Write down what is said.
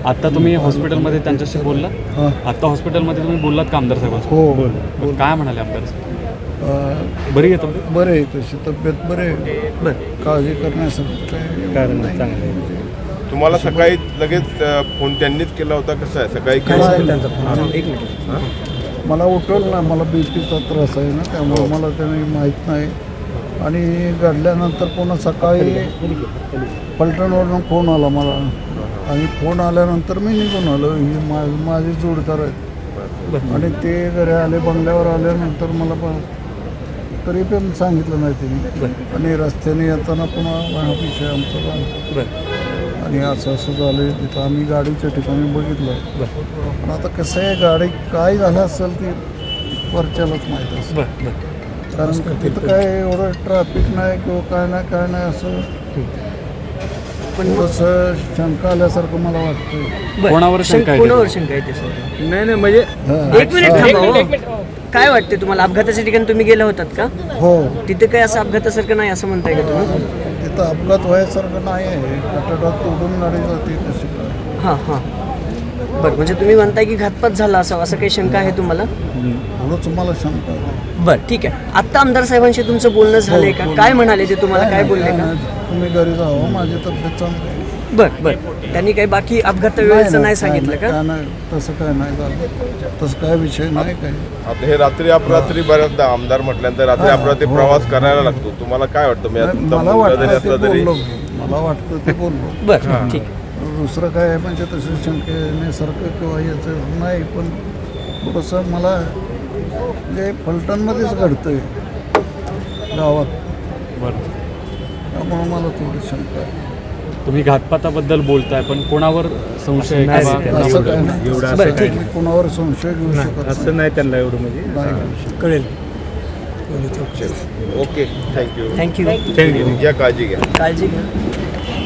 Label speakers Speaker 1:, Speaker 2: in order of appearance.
Speaker 1: आता तुम्ही हॉस्पिटलमध्ये त्यांच्याशी बोलला?
Speaker 2: हां.
Speaker 1: आता हॉस्पिटलमध्ये तुम्ही बोललात का आमदार साहेबांशी?
Speaker 2: हो
Speaker 1: काय म्हणाले आमदार साहेब? बरी आहे तब्येत?
Speaker 2: बरे आहे, तशी तब्येत बरे आहे. काळजी करण्यासारखं काय नाही.
Speaker 3: तुम्हाला सकाळी लगेच फोन त्यांनीच केला होता? कसं आहे सकाळी
Speaker 2: मला उठवलं ना, मला बीपीचा त्रास आहे ना, त्यामुळे मला त्याने माहीत नाही. आणि घडल्यानंतर पुन्हा सकाळी पलटणवरून फोन आला मला, आणि फोन आल्यानंतर मी निघून आलो. ही माझे जोडदार आहेत, आणि ते घरी आले, बंगल्यावर आल्यानंतर मला तरी पण सांगितलं नाही त्यांनी. आणि रस्त्याने येताना पुन्हा हा विषय आमचा झाला, आणि असं झालं. तिथं आम्ही गाडीच्या ठिकाणी बघितलं. पण आता कसं आहे, गाडी काय झालं असेल ते वरच्यालाच माहीत असेल. कारण तिथं काय एवढं ट्रॅफिक नाही किंवा काय नाही असं पण थोडंसं शंका आल्यासारखं मला वाटतं.
Speaker 1: कोणावर शंका आहे?
Speaker 4: कोणावर शंका आहे ते सर?
Speaker 5: नाही म्हणजे
Speaker 4: एक मिनिट थांबा. काय वाटते तुम्हाला? अपघाताच्या ठिकाणी तुम्ही गेला होतात का?
Speaker 2: हो,
Speaker 4: तिथे काही असं अपघातासारखं नाही असं म्हणताय का तुम्ही?
Speaker 2: तिथं अपघात व्हायसारखं नाही आहे. कटडात तोडून गाडी जाते तशी काय.
Speaker 4: हां हां, बरं. म्हणजे तुम्ही म्हणताय की घातपात झाला असावा, असं काही शंका आहे तुम्हाला?
Speaker 2: एवढंच मला शंका आहे.
Speaker 4: बरं, ठीक आहे. आत्ता आमदार साहेबांशी तुमचं बोलणं झालंय का? काय म्हणाले ते तुम्हाला? काय बोलले का?
Speaker 2: तुम्ही घरी जावं, माझी तब्येत चांगली आहे.
Speaker 4: बरं बरं. त्यांनी काही बाकी अपघात वेळेचं नाही सांगितलं का?
Speaker 2: नाही, तसं काय नाही झालं. तसं काय विषय नाही काय.
Speaker 3: आता हे रात्री अपरात्री बऱ्याचदा आमदार म्हटल्यानंतर रात्री अपरात्री प्रवास करायला लागतो. तुम्हाला काय वाटतं?
Speaker 2: मला वाटतं ते बोललो, मला वाटतं ते बोललो.
Speaker 4: बरं, ठीक आहे.
Speaker 2: दुसरं काय आहे म्हणजे तसं शंकेसारखं किंवा याचं नाही. पण थोडंसं मला म्हणजे फलटणमध्येच घडतं आहे गावात,
Speaker 1: बरं.
Speaker 2: त्यामुळं मला थोडी शंका आहे.
Speaker 1: तुम्ही घातपाताबद्दल बोलताय, पण कोणावर संशय आहे
Speaker 2: असं काय नाही.
Speaker 5: एवढं
Speaker 4: बरं, ठीक आहे.
Speaker 2: मी कोणावर संशय घेऊ शकत
Speaker 5: असं नाही त्यांना एवढं म्हणजे
Speaker 2: नाही.
Speaker 4: कळेल.
Speaker 3: Okay, thank you.
Speaker 4: थँक्यू.
Speaker 3: घ्या काळजी घ्या.
Speaker 4: काळजी घ्या.